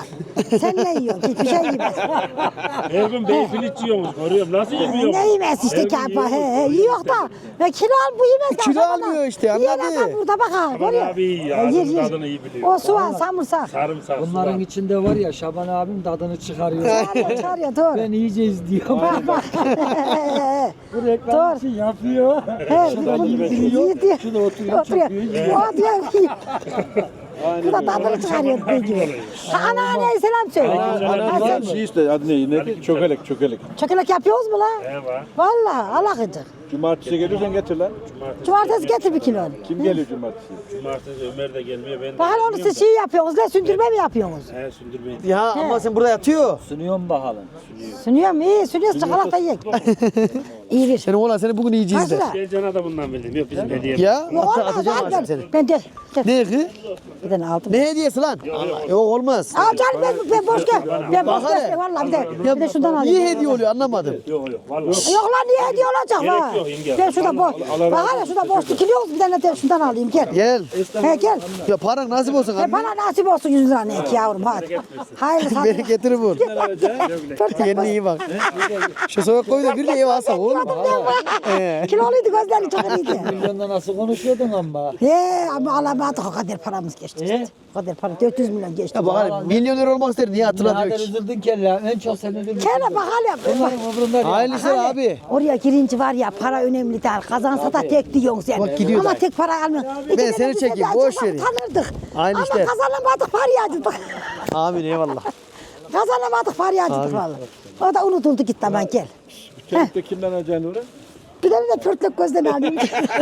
Speaker 2: Sen ne yiyorsun? Hiçbir şey yemez.
Speaker 7: Her gün beyfiliç yiyormuş. Görüyorum. Nasıl yemiyor?
Speaker 2: Ne yemez işte
Speaker 7: Her gün
Speaker 2: kapa. He, he, yiyor da. Ve kilo al bu yemez.
Speaker 1: Kilo
Speaker 2: Şaban
Speaker 1: almıyor
Speaker 2: abi.
Speaker 1: işte,
Speaker 2: Yiyen
Speaker 1: anladı.
Speaker 2: adam burada bak ha.
Speaker 7: Şaban
Speaker 2: Görüyor.
Speaker 7: abi iyi ya,
Speaker 2: Yer,
Speaker 7: ağzının
Speaker 2: yer.
Speaker 7: tadını iyi biliyor.
Speaker 2: O soğan, samırsak.
Speaker 7: Sarımsak.
Speaker 9: Bunların
Speaker 7: sular.
Speaker 9: içinde var ya Şaban abim tadını çıkarıyor.
Speaker 2: Çağırıyor, çağırıyor doğru.
Speaker 9: Ben iyice izliyorum.
Speaker 2: Bak bak.
Speaker 9: Bu reklam için yapıyor.
Speaker 2: He,
Speaker 9: Şuradan
Speaker 2: bu-
Speaker 9: yürüyor.
Speaker 2: yiyor diyor.
Speaker 9: Şurada oturuyor,
Speaker 2: Oturuyor.
Speaker 9: çekiyor.
Speaker 2: O diyor. Bu da tadını çıkarıyor dediği gibi. Ha, anneanneye selam söyle. Ha,
Speaker 7: Ana
Speaker 2: sen-
Speaker 7: şey işte adı ne? Ne? Çökelek çökelek.
Speaker 2: Çökelek yapıyoruz mu lan?
Speaker 7: Ne var?
Speaker 2: Vallahi alakıcık.
Speaker 7: Cumartesi gelirsen getir lan.
Speaker 2: Cumartesi getir bir kilo.
Speaker 7: Kim geliyor cumartesi?
Speaker 3: Cumartesi Ömer de gelmiyor. Ben de
Speaker 2: Bakın onu siz şey yapıyorsunuz ne sündürme mi yapıyorsunuz?
Speaker 3: He sündürmeyin.
Speaker 1: Ya ama sen burada yatıyor.
Speaker 9: Sunuyorum bakalım.
Speaker 2: Sunuyorum iyi sunuyoruz çikolata yiyek. İyi bir.
Speaker 1: Senin oğlan seni bugün yiyeceğiz de.
Speaker 2: Kaçta?
Speaker 3: Gel cana da bundan bildim. Yok bizim hediye.
Speaker 1: Ya
Speaker 2: Yok
Speaker 1: at,
Speaker 2: olmaz
Speaker 1: atacağım
Speaker 2: al
Speaker 1: artık
Speaker 2: ver.
Speaker 1: seni.
Speaker 2: Ben de. de-
Speaker 1: Ne kız?
Speaker 2: Bir tane aldım.
Speaker 1: Ne hediyesi lan? Allah, yok olmaz.
Speaker 2: Al canım ben, ben boş gel. Ben boş
Speaker 1: Bak hele.
Speaker 2: gel vallahi bir de, bir de şundan alayım.
Speaker 1: Niye hediye oluyor anlamadım.
Speaker 3: Yok yok vallahi.
Speaker 2: Yok lan niye hediye olacak
Speaker 3: Gerek
Speaker 2: lan?
Speaker 3: yok yenge.
Speaker 2: Ben şurada boş. Bak hele şurada boş dikiliyoruz bir tane de şundan alayım gel.
Speaker 1: Gel.
Speaker 2: He gel.
Speaker 1: Ya paran nasip olsun
Speaker 2: He
Speaker 1: anne.
Speaker 2: bana nasip olsun yüz lira ne ki yavrum hadi. Hayırlı hadi.
Speaker 1: Beni getirir vur. Kendine iyi bak. Şu soğuk koy da bir de ev alsak olur mu? He.
Speaker 2: Kiloluydu gözleri çok iyiydi.
Speaker 9: Milyonda nasıl konuşuyordun ama.
Speaker 2: He ama alamadık o kadar paramız geçti.
Speaker 9: He?
Speaker 2: O kadar para dört yüz milyon geçti.
Speaker 1: Ya bak hani milyoner olmak ister niye hatırlatıyor
Speaker 9: Nadir
Speaker 1: ki?
Speaker 9: üzüldün kelle. En çok sen üzüldün.
Speaker 2: Kene bak hele.
Speaker 9: Bunların umurunda değil.
Speaker 1: Hayırlı işler abi.
Speaker 2: Oraya girince var ya para önemli değil. Kazansa da tek diyorsun sen.
Speaker 1: Bak gidiyor
Speaker 2: Ama
Speaker 1: dayı.
Speaker 2: tek para almıyorsun. İki
Speaker 1: Ben seni
Speaker 2: tane bize
Speaker 1: çekeyim,
Speaker 2: bir
Speaker 1: boş
Speaker 2: acaba
Speaker 1: verin.
Speaker 2: Tanırdık.
Speaker 1: Aynı
Speaker 2: Ama
Speaker 1: işte.
Speaker 2: kazanamadık parayı acıdık.
Speaker 1: Amin eyvallah.
Speaker 2: Kazanamadık parayı acıdık vallahi. O da unutuldu gitti aman gel.
Speaker 7: Kentte kimden alacaksın oraya?
Speaker 2: Bir tane de pörtlek gözden alayım.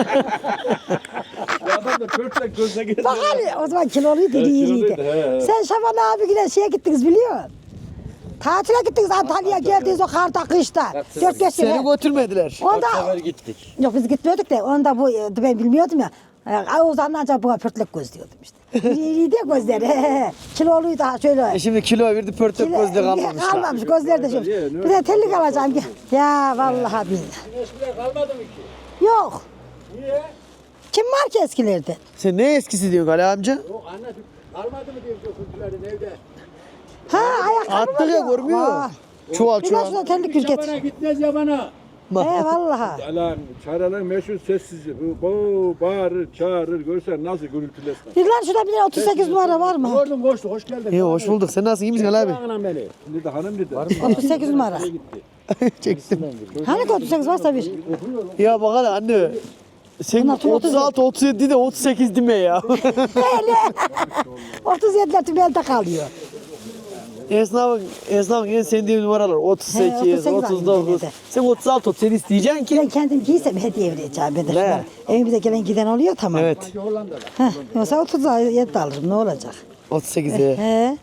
Speaker 7: Adam da pörtlek gözle geziyor.
Speaker 2: Bak hani o zaman kiloluydu
Speaker 7: Evet,
Speaker 2: iyiydi.
Speaker 7: kiloluydu, he, he.
Speaker 2: Sen Şaban abi yine şeye gittiniz biliyor musun? Tatile gittiniz Antalya'ya geldiniz o karda kışta. Dört beş
Speaker 1: Seni
Speaker 2: sene.
Speaker 1: götürmediler.
Speaker 2: Onda
Speaker 9: Sefer gittik.
Speaker 2: yok biz gitmiyorduk da onda bu ben bilmiyordum ya. Ay o zaman ancak buna pörtlek göz diyordum işte. İyiydi ya gözleri. he, he. Kiloluydu ha şöyle.
Speaker 1: E şimdi kilo verdi pörtök
Speaker 2: Kilo-
Speaker 1: gözde kalmamış.
Speaker 2: Kalmamış gözleri de şöyle. Bir de tellik alacağım. gel. Ya vallahi billahi.
Speaker 3: kalmadı mı ki?
Speaker 2: Yok.
Speaker 3: Niye?
Speaker 2: Kim var ki eskilerde?
Speaker 1: Sen ne eskisi diyorsun Ali amca?
Speaker 3: Yok anne kalmadı mı diyor çocukların evde.
Speaker 2: Ha ayakkabı
Speaker 1: Attık ya
Speaker 2: var.
Speaker 1: görmüyor.
Speaker 2: Var.
Speaker 1: Çuval
Speaker 2: Bir de
Speaker 1: çuval.
Speaker 2: şuna terlik gül getir.
Speaker 3: Yabana gitmez yabana.
Speaker 2: He vallahi.
Speaker 7: Alan çağrılan meşhur sessizce. Bu bağırır çağırır görsen nasıl gürültülesin.
Speaker 2: Bir lan şurada bir de otuz sekiz numara var mı?
Speaker 3: Gördüm koştu hoş geldin.
Speaker 1: İyi hoş bulduk. Sen nasılsın? İyi misin Ali abi?
Speaker 3: Anam beni.
Speaker 7: Şimdi de hanım dedi.
Speaker 2: otuz sekiz numara.
Speaker 1: Çektim.
Speaker 2: Hani ki otuz sekiz varsa bir.
Speaker 1: Ya bak hele anne. Sen
Speaker 2: Bunlar tüm
Speaker 1: otuz altı otuz yedi de otuz sekiz deme ya.
Speaker 2: Öyle. otuz yediler tüm elde kalıyor.
Speaker 1: Esnafın, esnafın en sevdiği numaralar otuz
Speaker 2: He,
Speaker 1: sekiz,
Speaker 2: otuz sekiz
Speaker 1: otuz dokuz.
Speaker 2: var
Speaker 1: Sen otuz altı otuz yedi isteyeceksin ki.
Speaker 2: Ben kendim giysem hediye vereceğim. Ben de şunları. Evimize gelen giden oluyor tamam.
Speaker 1: Evet.
Speaker 2: Heh, yoksa otuz yedi de alırım ne olacak?
Speaker 1: otuz sekiz he.
Speaker 2: He.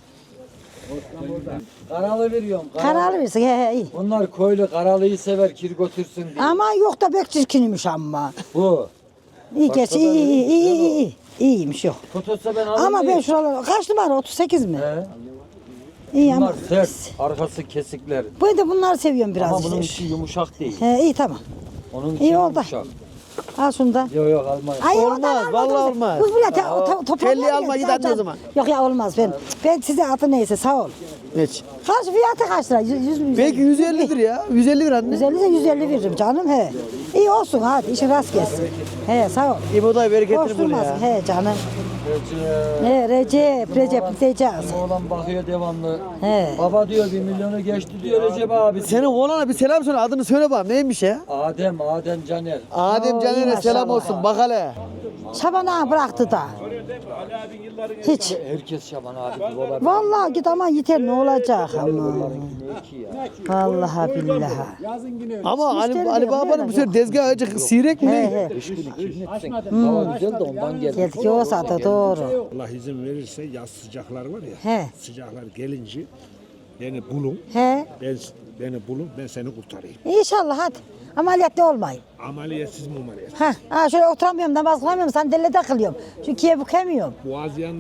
Speaker 9: Karalı veriyorum.
Speaker 2: Karalı versin he he iyi.
Speaker 9: Bunlar koylu karalıyı sever kir götürsün diye.
Speaker 2: Ama yok da pek çirkinmiş ama.
Speaker 9: Bu.
Speaker 2: İyi geç iyi iyi iyi iyi iyi. iyi. İyiymiş yok.
Speaker 9: Tutulsa ben alırım.
Speaker 2: Ama ben şuralar kaç numara otuz sekiz mi?
Speaker 9: He.
Speaker 2: İyi ama.
Speaker 9: Bunlar sert. Arkası kesikler.
Speaker 2: Ben de bunları seviyorum biraz.
Speaker 9: Ama bunun
Speaker 2: işte.
Speaker 9: içi yumuşak değil.
Speaker 2: He iyi tamam.
Speaker 9: Onun içi
Speaker 2: İyi oldu.
Speaker 9: yumuşak.
Speaker 2: Al şunu da.
Speaker 9: Yok yok almayın.
Speaker 2: Ay,
Speaker 1: Olmaz,
Speaker 2: ondan alma,
Speaker 1: vallahi
Speaker 2: otursun.
Speaker 1: olmaz.
Speaker 2: Bu bile te, to, toparlar
Speaker 1: telli
Speaker 2: ya,
Speaker 1: alma, git
Speaker 2: can,
Speaker 1: anne
Speaker 2: can.
Speaker 1: o zaman.
Speaker 2: Yok ya olmaz ben. Ben size adı neyse sağ ol.
Speaker 1: Geç.
Speaker 2: Kaç fiyatı kaç lira? Yüz, yüz mü?
Speaker 1: Belki yüz ellidir ya. yüz elli lira anne.
Speaker 2: yüz elli ise yüz elli veririm canım he. İyi olsun hadi işin rast gelsin. He sağ ol.
Speaker 1: İboday
Speaker 2: Boş
Speaker 1: bereketini bul
Speaker 2: durmasın
Speaker 1: ya.
Speaker 2: he canım.
Speaker 9: Recep.
Speaker 2: He Recep, Recep diyeceğiz.
Speaker 9: Oğlan bakıyor devamlı.
Speaker 2: He.
Speaker 9: Baba diyor bir milyonu geçti diyor Recep abi.
Speaker 1: Senin oğlana bir selam söyle. Adını söyle bana. Neymiş ya?
Speaker 9: Adem, Adem Caner.
Speaker 1: Adem
Speaker 2: Oo,
Speaker 1: Caner'e
Speaker 2: iyi
Speaker 1: selam
Speaker 2: maşallah.
Speaker 1: olsun. Bak hele.
Speaker 2: Şaban ağa bıraktı da. Hiç.
Speaker 9: Herkes Şaban abi gibi olabilir.
Speaker 2: Vallahi git aman yeter ne olacak ama.
Speaker 9: Belki ya.
Speaker 2: Vallahi billahi.
Speaker 1: Ama Ali,
Speaker 2: Müşteri
Speaker 1: Ali
Speaker 2: de yok,
Speaker 1: Baba'nın
Speaker 2: yok.
Speaker 1: bu sefer tezgah acık sirek
Speaker 2: He
Speaker 1: mi?
Speaker 2: he.
Speaker 9: Beş gün iki gün etsin. Hava güzel de ondan geldi.
Speaker 2: Geldik o saate doğru.
Speaker 3: Allah izin verirse yaz sıcaklar var ya.
Speaker 2: He.
Speaker 3: Sıcaklar gelince beni bulun.
Speaker 2: He.
Speaker 3: Ben beni bulun ben seni kurtarayım.
Speaker 2: İnşallah hadi. Ameliyatlı olmayın.
Speaker 3: Ameliyatsız mı ameliyat?
Speaker 2: Ha, ha şöyle oturamıyorum, namaz kılamıyorum, sandalyede kılıyorum. Çünkü kiye bükemiyorum.
Speaker 3: Boğazyan'da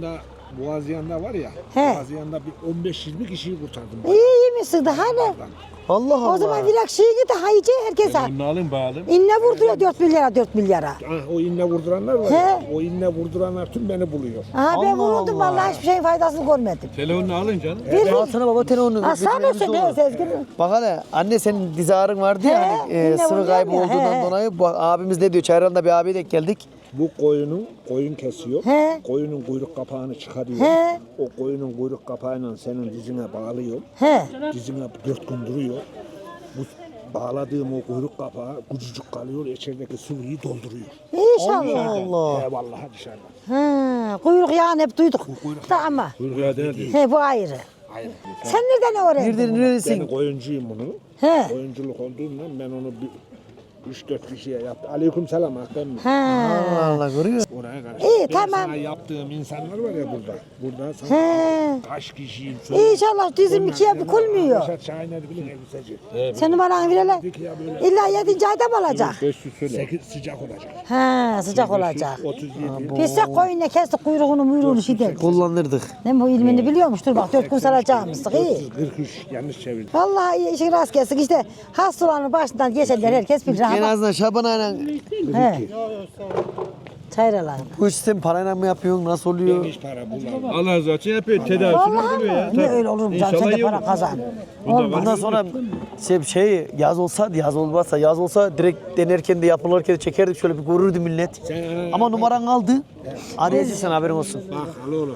Speaker 7: Boğaziyan'da var ya.
Speaker 2: He.
Speaker 7: Boğaziyan'da bir on beş yirmi kişiyi kurtardım.
Speaker 2: İyi iyi misin daha ne?
Speaker 1: Allah Allah.
Speaker 2: O zaman vilak şeyi git daha iyice herkes al.
Speaker 7: Bunu alın bağlı.
Speaker 2: İnne vurduruyor dört milyara dört milyara.
Speaker 7: Ah, o inne vurduranlar var ya. O inne vurduranlar tüm beni buluyor.
Speaker 2: Aha ben
Speaker 1: Allah
Speaker 2: vuruldum
Speaker 1: Allah.
Speaker 2: vallahi hiçbir şeyin faydasını görmedim.
Speaker 7: Telefonunu alın canım.
Speaker 2: Bir
Speaker 1: Alsana baba telefonunu.
Speaker 2: Ha sen
Speaker 1: Götürmemiz
Speaker 2: olsun
Speaker 1: olur.
Speaker 2: ne Sezgin?
Speaker 1: Bak hele anne senin diz ağrın vardı ya
Speaker 2: He,
Speaker 1: hani e,
Speaker 2: yine
Speaker 1: sıvı
Speaker 2: vuruyor
Speaker 1: kaybı
Speaker 2: ya,
Speaker 1: olduğundan
Speaker 2: he.
Speaker 1: dolayı bu abimiz ne diyor? Çayran'da bir abiye denk geldik.
Speaker 7: Bu koyunun koyun kesiyor.
Speaker 2: He.
Speaker 7: Koyunun kuyruk kapağını çıkarıyor.
Speaker 2: He.
Speaker 7: O koyunun kuyruk kapağıyla senin dizine bağlıyor.
Speaker 2: He.
Speaker 7: Dizine dört gün duruyor. Bu bağladığım o kuyruk kapağı küçücük kalıyor. İçerideki sıvıyı dolduruyor.
Speaker 2: İnşallah.
Speaker 1: Allah.
Speaker 7: He vallahi dışarıda.
Speaker 2: Ha, kuyruk yağını hep duyduk. Da ama.
Speaker 7: Kuyruk yağı değil.
Speaker 2: He bu ayrı.
Speaker 7: Hayır.
Speaker 2: Sen nereden öğrendin?
Speaker 1: Nereden
Speaker 7: Ben
Speaker 1: neresin?
Speaker 7: koyuncuyum bunu.
Speaker 2: He.
Speaker 7: Koyunculuk olduğundan ben onu bir üç dört kişiye yaptım. Aleyküm selam Hakan.
Speaker 2: Ha.
Speaker 1: Allah Allah görüyor.
Speaker 7: Oraya karşı.
Speaker 2: İyi,
Speaker 7: ben
Speaker 2: tamam.
Speaker 7: sana yaptığım insanlar var ya burada. Burada sana
Speaker 2: He.
Speaker 7: kaç kişiyim.
Speaker 2: İnşallah dizim ikiye bükülmüyor.
Speaker 7: Reşat Şahiner bilir elbiseci.
Speaker 2: Sen numaranı verelim. İlla yedinci ayda mı olacak?
Speaker 7: Sekiz sıcak olacak.
Speaker 2: Ha sıcak olacak.
Speaker 7: otuz yedi.
Speaker 2: Biz de koyunla kestik kuyruğunu muyruğunu şey deriz.
Speaker 1: Kullanırdık.
Speaker 2: Ne bu ilmini biliyormuş. Dur bak dört gün saracağımızdık iyi.
Speaker 7: kırk üç yanlış çevirdim.
Speaker 2: Vallahi iyi işin rast gelsin. İşte hastalanın başından geçenler herkes bilir.
Speaker 1: En
Speaker 2: Ha,
Speaker 1: azından Şaban aynen
Speaker 2: He. Çayralar.
Speaker 1: bu işi sen parayla mı yapıyorsun? Nasıl oluyor?
Speaker 7: Hiç para bulamam. Allah razı olsun yapıyor. Tedavisini
Speaker 2: Vallahi
Speaker 7: buluyor ya.
Speaker 2: ne öyle olur mu canım? Sen de para kazan. Olmaz.
Speaker 1: Bundan sonra şey, şey yaz olsa yaz olmazsa yaz olsa direkt denerken de yapılırken de çekerdik şöyle bir görürdü millet.
Speaker 7: Sen ana-
Speaker 1: Ama numaran kaldı. Arayacağız sen haberin olsun.
Speaker 7: Bak al oğlum.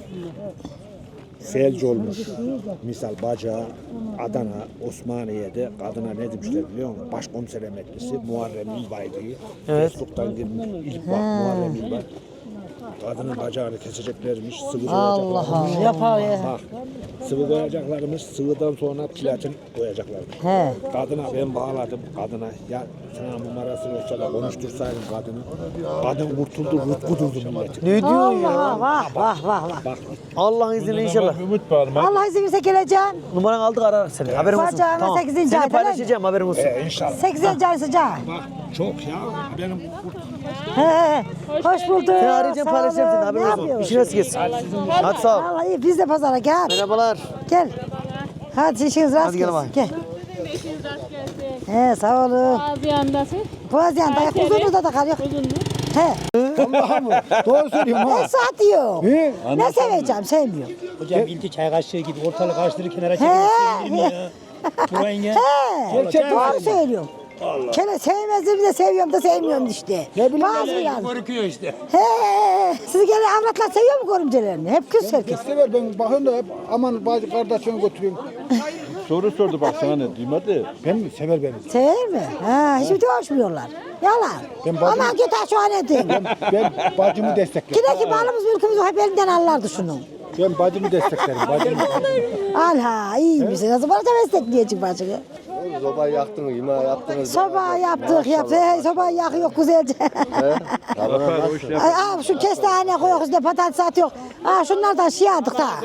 Speaker 7: Felç olmuş. Misal Bacağı, Adana, Osmaniye'de kadına ne demişler biliyor musun? Başkomiser emeklisi Muharrem İlbay'dı.
Speaker 1: Evet.
Speaker 7: Facebook'tan girmiş. İlk bak Muharrem İlbay. Kadının bacağını keseceklermiş, sıvı
Speaker 2: Allah
Speaker 7: koyacaklarmış.
Speaker 2: Allah. Yapar ya.
Speaker 7: Bak, sıvı koyacaklarmış, sıvıdan sonra platin koyacaklarmış.
Speaker 2: He.
Speaker 7: Kadına ben bağladım, kadına. Ya sana numarası olsa da konuştursaydım kadını. Kadın kurtuldu, rutku durdu millet.
Speaker 1: Ne diyorsun ya?
Speaker 2: Allah vah vah vah vah.
Speaker 7: Bak,
Speaker 1: Allah'ın izniyle inşallah.
Speaker 7: Ümit bağırma.
Speaker 2: Allah izin verirse geleceğim.
Speaker 1: Numaranı aldık ararız seni. Haberin olsun.
Speaker 2: Bacağıma sekizinci
Speaker 1: Seni
Speaker 2: ayda
Speaker 1: paylaşacağım haberin olsun.
Speaker 7: Ee, inşallah.
Speaker 2: sekizinci ay sıcağı.
Speaker 7: Bak, çok ya. Benim kurt
Speaker 2: He he. Hoş bulduk.
Speaker 1: Seni arayacağım
Speaker 2: Sağ
Speaker 1: paylaşacağım seni
Speaker 2: olun.
Speaker 1: haberin
Speaker 2: Ne
Speaker 1: olsun.
Speaker 2: yapıyorsun?
Speaker 1: İşin nasıl geçsin? Hadi sağ ol.
Speaker 2: Vallahi biz de pazara gel.
Speaker 1: Merhabalar.
Speaker 2: Gel. Hadi işiniz rast
Speaker 1: Hadi gel
Speaker 2: gelsin.
Speaker 1: bakayım.
Speaker 2: Gel. He sağ olun.
Speaker 10: Boğaziyan'dasın.
Speaker 2: Boğaziyan'da ayak uzunluğunda da kalıyor. He.
Speaker 4: Allah'a mı? Doğru söylüyorum ha.
Speaker 2: Ne saat diyor.
Speaker 4: He?
Speaker 2: Ne seveceğim sevmiyorum.
Speaker 5: Hocam bildi çay kaşığı gibi ortalık karıştırır kenara
Speaker 2: He.
Speaker 5: çekilmiş ya. Burayın ya.
Speaker 2: He. Doğru söylüyorum. Kele sevmezdim de seviyorum da sevmiyorum işte. Ne bileyim. Bazı yani.
Speaker 5: Korkuyor işte.
Speaker 2: He. Siz gene avratlar seviyor mu görümcelerini? Hep küs herkes.
Speaker 4: Sever ben bakıyorum da hep aman bazı kardeşimi götürüyorum.
Speaker 7: soru sordu bak sana ne duymadı.
Speaker 4: Ben mi? Sever beni.
Speaker 2: Sever mi? Ha, hiç bir hoşmuyorlar. Yalan.
Speaker 4: Ben bacım-
Speaker 2: Aman git ha şu an edin.
Speaker 4: Ben bacımı desteklerim.
Speaker 2: Yine ki malımız mülkümüz hep elinden alırdı şunu.
Speaker 4: Ben bacımı desteklerim. Bacımı.
Speaker 2: Al ha iyi misin? Nasıl bana da destekleyecek bacını?
Speaker 11: Sobayı yaktınız, yemeği yaptınız.
Speaker 2: Soba yaptık yaptık. Hey, sobayı yakıyor güzelce. Ay, aa, şu kestane koyuyoruz üstüne patates atıyor. Aa, şunlardan şey aldık da.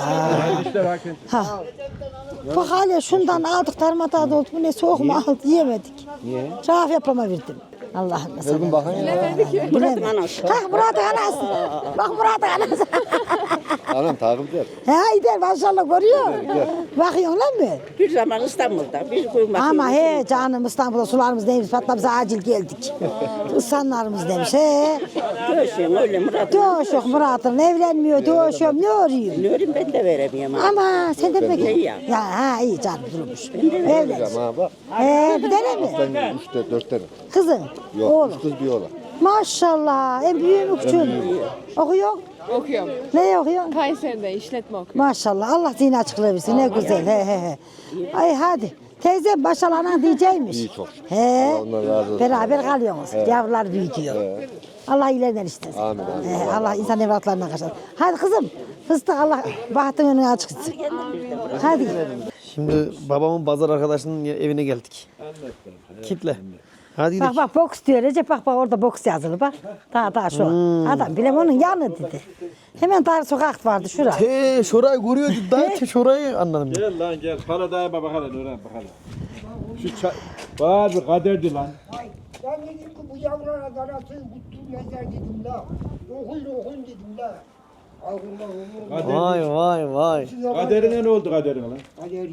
Speaker 2: Ha. Bak hala şundan aldık darmada oldu. Bu ne soğuk mu aldı yiyemedik. Niye? Raf yapama verdim. Allah'ım mesela.
Speaker 11: Bugün bakın ya.
Speaker 2: Murat'ın anası. Ha Murat'ın anası. Bak Murat'ın anası.
Speaker 11: Anam takip et.
Speaker 2: Ha gider maşallah görüyor. Bakıyorsun lan mı?
Speaker 6: Bir zaman İstanbul'da bir gün
Speaker 2: Ama he canım İstanbul'da sularımız neymiş patlamıza acil geldik. Islanlarımız demiş he.
Speaker 6: Dövüşüyorum öyle Murat.
Speaker 2: Doğuş yok Murat'ın evlenmiyor doğuşuyorum ne arıyor?
Speaker 6: Ne öreyim ben de veremiyorum.
Speaker 2: Ama sen de peki.
Speaker 6: iyi ya.
Speaker 2: Ya ha iyi canım durmuş. Evlen.
Speaker 11: Ha bak.
Speaker 2: He bir tane mi?
Speaker 11: Ben üçte dört tane.
Speaker 2: Kızın.
Speaker 11: Yok
Speaker 2: Oğlum.
Speaker 11: üç kız bir oğlan.
Speaker 2: Maşallah en büyüğü mü küçüğü mü? Okuyor.
Speaker 10: Okuyorum.
Speaker 2: Ne okuyor?
Speaker 10: Kayseri'de işletme okuyorum.
Speaker 2: Maşallah Allah zihin açıklığı versin ne güzel he he he. Ay hadi. Teyze başalana diyecekmiş.
Speaker 11: İyi çok şükür.
Speaker 2: He.
Speaker 11: Allah ondan razı olsun.
Speaker 2: Beraber kalıyorsunuz. Yavrular büyütüyor. Allah ileriden istesin.
Speaker 11: Amin, amin.
Speaker 2: He, Allah insan evlatlarına kaçar. Hadi kızım. Fıstık Allah bahtın önünü açık etsin. Hadi.
Speaker 1: Şimdi babamın pazar arkadaşının evine geldik. Kitle. Hadi gidelim.
Speaker 2: Bak bak boks diyor Recep bak bak orada boks yazılı bak. Daha daha şu. Adam bile onun yanı dedi. Hemen dar sokak vardı şurada.
Speaker 1: Te şurayı görüyordu da te şurayı anladım.
Speaker 7: Gel lan gel. Para dayama bakalım öğren bakalım. Şu çay... Var bir kaderdi lan.
Speaker 12: Ben dedim ki bu yavrulara darasın kutlu mezar dedim la. Okuyun okuyun dedim la.
Speaker 1: Vay vay vay.
Speaker 3: Kaderine ne oldu kaderine lan?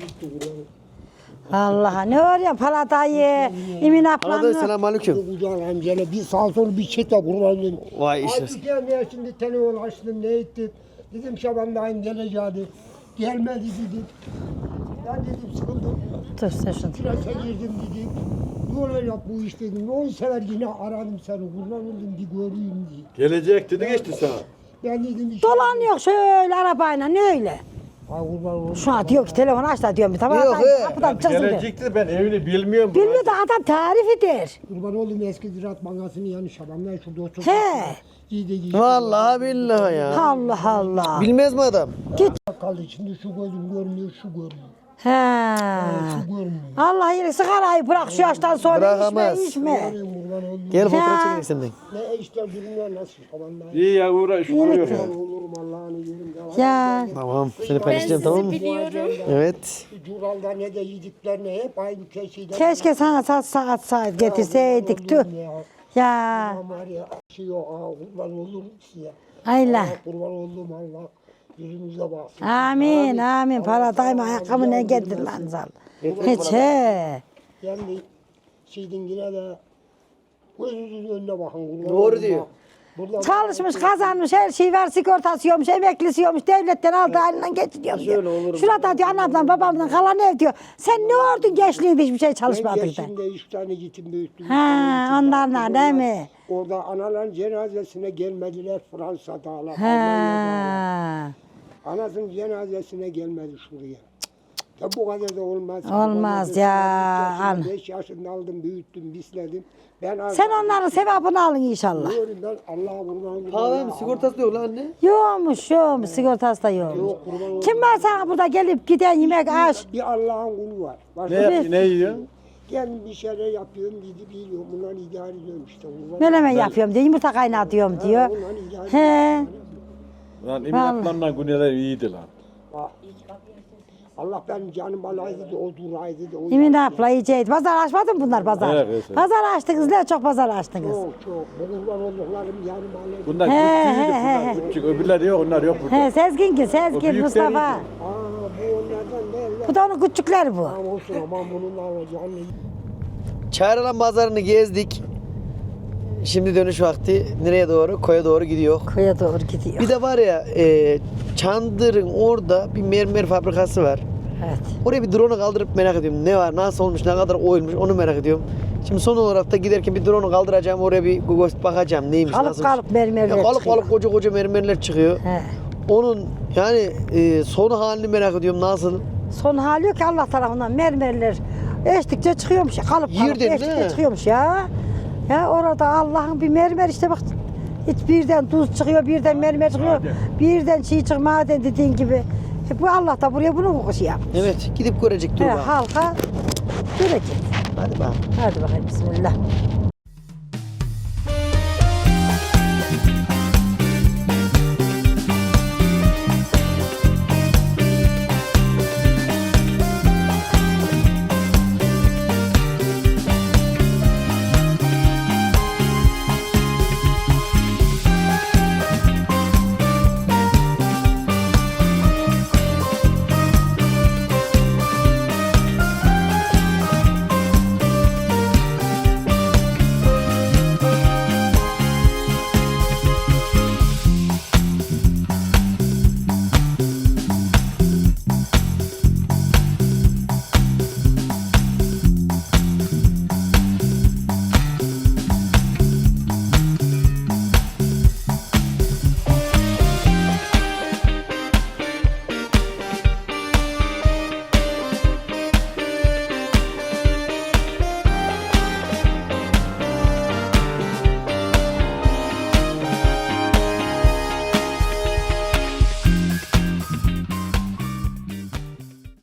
Speaker 2: Allah'a ne var ya Palatayı, Emin
Speaker 1: Arada
Speaker 2: ablanı.
Speaker 1: selam aleyküm.
Speaker 4: Kucağın amcayla bir sağ sol bir çete kurbanlıyım.
Speaker 1: Vay işte.
Speaker 4: Artık gelmeye şimdi telefon açtım ne ettim. Dedim Şaban dayım geleceği. Gelmedi dedim. Ben dedim sıkıldım.
Speaker 2: Dur sen şunu.
Speaker 4: Strese girdim dedim. Ne olacak bu iş dedim. On sefer yine aradım seni. Kurban oldum bir göreyim diye.
Speaker 3: Gelecek dedi geçti sana.
Speaker 4: Ben dedim işte.
Speaker 2: Dolanıyor şöyle arabayla ne öyle?
Speaker 4: Ay kurban oldum.
Speaker 2: Şu an diyor ki telefon aç da diyorum bir tamam.
Speaker 1: Yok, he.
Speaker 2: Kapıdan çıksın diyor.
Speaker 3: Gelecekti ben evini bilmiyorum.
Speaker 2: Bilmiyor da adam tarif eder.
Speaker 4: Kurban oldum eski Ziraat Bankası'nın yanı Şaban'dan şurada oturdum.
Speaker 2: He.
Speaker 4: Giydi giydi.
Speaker 1: Vallahi billahi ya.
Speaker 2: Allah Allah.
Speaker 1: Bilmez mi adam?
Speaker 4: Kaldı şimdi şu gözüm görmüyor şu görmüyor.
Speaker 2: He.
Speaker 4: Şu görmüyor.
Speaker 2: Allah yine sigarayı bırak şu yaştan sonra
Speaker 1: Bırakamaz.
Speaker 2: içme içme.
Speaker 4: Kurban oldum.
Speaker 1: Gel fotoğraf
Speaker 2: Ya.
Speaker 1: çekelim senden.
Speaker 4: Ne işte durumlar nasıl Şaban'dan.
Speaker 3: İyi ya uğraş vuruyor.
Speaker 4: Olurum Allah'ını yerim.
Speaker 2: Ya.
Speaker 1: Tamam. Seni paylaşacağım tamam mı?
Speaker 10: Biliyorum.
Speaker 1: Evet.
Speaker 4: Cural'da ne de yediklerine hep aynı keşiden.
Speaker 2: Keşke sana saat saat saat getirseydik tüh. Ya.
Speaker 4: Var ya şey o aa, kurban olurum size.
Speaker 2: Ayla.
Speaker 4: Aa, kurban oldum Allah. Yüzünüze baksın.
Speaker 2: Amin amin. Para dayma ayakkabı ne getir lan zal. Hiç he.
Speaker 4: Yani şeydin yine de gözünüzün önüne bakın. kurban
Speaker 1: Doğru
Speaker 4: oldum
Speaker 1: diyor.
Speaker 4: bak. Burada
Speaker 2: Çalışmış kazanmış her şey var sigortası yiyormuş emeklisi yiyormuş devletten aldı elinden geçiriyor diyor. Şurada diyor anamdan babamdan kalan ev diyor. Sen ne ordun gençliğinde hiçbir şey
Speaker 4: ben
Speaker 2: çalışmadın da.
Speaker 4: geçimde üç tane yetim büyüttüm. üç
Speaker 2: Ha,
Speaker 4: tane yetim
Speaker 2: onlarla
Speaker 4: baktım.
Speaker 2: değil mi?
Speaker 4: Orada analar cenazesine gelmediler Fransa'da. Almanya'da.
Speaker 2: Ha.
Speaker 4: Anasının cenazesine gelmedi şuraya. Ya bu kadar da olmaz.
Speaker 2: Olmaz ya, an.
Speaker 4: beş yaşında aldım, büyüttüm, bisledim. Ben
Speaker 2: Sen onların sevabını alın inşallah.
Speaker 4: Diyorum ben Allah'a kurban olayım.
Speaker 1: Pahalı mı? Sigortası yok lan anne.
Speaker 2: Yokmuş yokmuş sigortası da yokmuş.
Speaker 4: Yok, kurban olayım.
Speaker 2: Kim var sana burada gelip giden yemek aş?
Speaker 4: Bir Allah'ın kulu var. Başka
Speaker 3: Ne yap ne yiyorsun?
Speaker 4: Kendim bir şeyler yapıyorum, gidip biliyorum. Bunları idare ediyorum işte. Kurban
Speaker 2: Menemen yapıyorum diyor, yumurta kaynatıyorum diyor.
Speaker 4: Bunları idare
Speaker 2: He.
Speaker 4: ediyorum.
Speaker 3: Lan Emin Akman'la Güneler iyiydi lan.
Speaker 4: Bak, Allah benim canım alaydı da o duraydı da o.
Speaker 2: Emin abla yiyeceğiz. Pazar açmadın bunlar pazar.
Speaker 3: Evet, evet, evet.
Speaker 2: Pazar açtınız ne çok pazar açtınız.
Speaker 4: Çok çok. Bu kurban olduklarım canım alaydı.
Speaker 3: Bunlar
Speaker 2: He,
Speaker 3: küçüğüydü
Speaker 2: he,
Speaker 3: bunlar
Speaker 2: he.
Speaker 3: küçük. Öbürler yok onlar yok burada.
Speaker 2: He Sezgin ki
Speaker 3: O
Speaker 2: Sezgin
Speaker 3: büyükleri
Speaker 2: Mustafa.
Speaker 4: Aa bu onlardan değil.
Speaker 2: Bu da onun küçükleri bu.
Speaker 4: Tamam olsun aman bunun alacağını.
Speaker 1: Çağrılan pazarını gezdik. Şimdi dönüş vakti. Nereye doğru? Koya doğru gidiyor.
Speaker 2: Koya doğru gidiyor.
Speaker 1: Bir de var ya e, Çandır'ın orada bir mermer fabrikası var.
Speaker 2: Evet.
Speaker 1: Oraya bir drone'u kaldırıp merak ediyorum. Ne var, nasıl olmuş, ne kadar oyulmuş onu merak ediyorum. Şimdi son olarak da giderken bir drone'u kaldıracağım. Oraya bir göz bakacağım neymiş,
Speaker 2: Kalıp
Speaker 1: nasılmış.
Speaker 2: kalıp mermerler
Speaker 1: Ya kalıp
Speaker 2: çıkıyor.
Speaker 1: kalıp koca koca mermerler çıkıyor.
Speaker 2: He.
Speaker 1: Onun yani e, son halini merak ediyorum nasıl.
Speaker 2: Son hali yok ki Allah tarafından mermerler eştikçe çıkıyormuş. Kalıp kalıp
Speaker 1: Yerden, değil
Speaker 2: eştikçe
Speaker 1: mi?
Speaker 2: çıkıyormuş ya. Ya orada Allah'ın bir mermer işte bak. Hiç birden tuz çıkıyor, birden mermer çıkıyor, birden çiğ çık maden dediğin gibi. E bu Allah da buraya bunu mu şey yap?
Speaker 1: Evet, gidip görecek dur
Speaker 2: He,
Speaker 1: bakalım.
Speaker 2: halka görecek.
Speaker 1: Hadi bakalım.
Speaker 2: Hadi bakalım bismillah.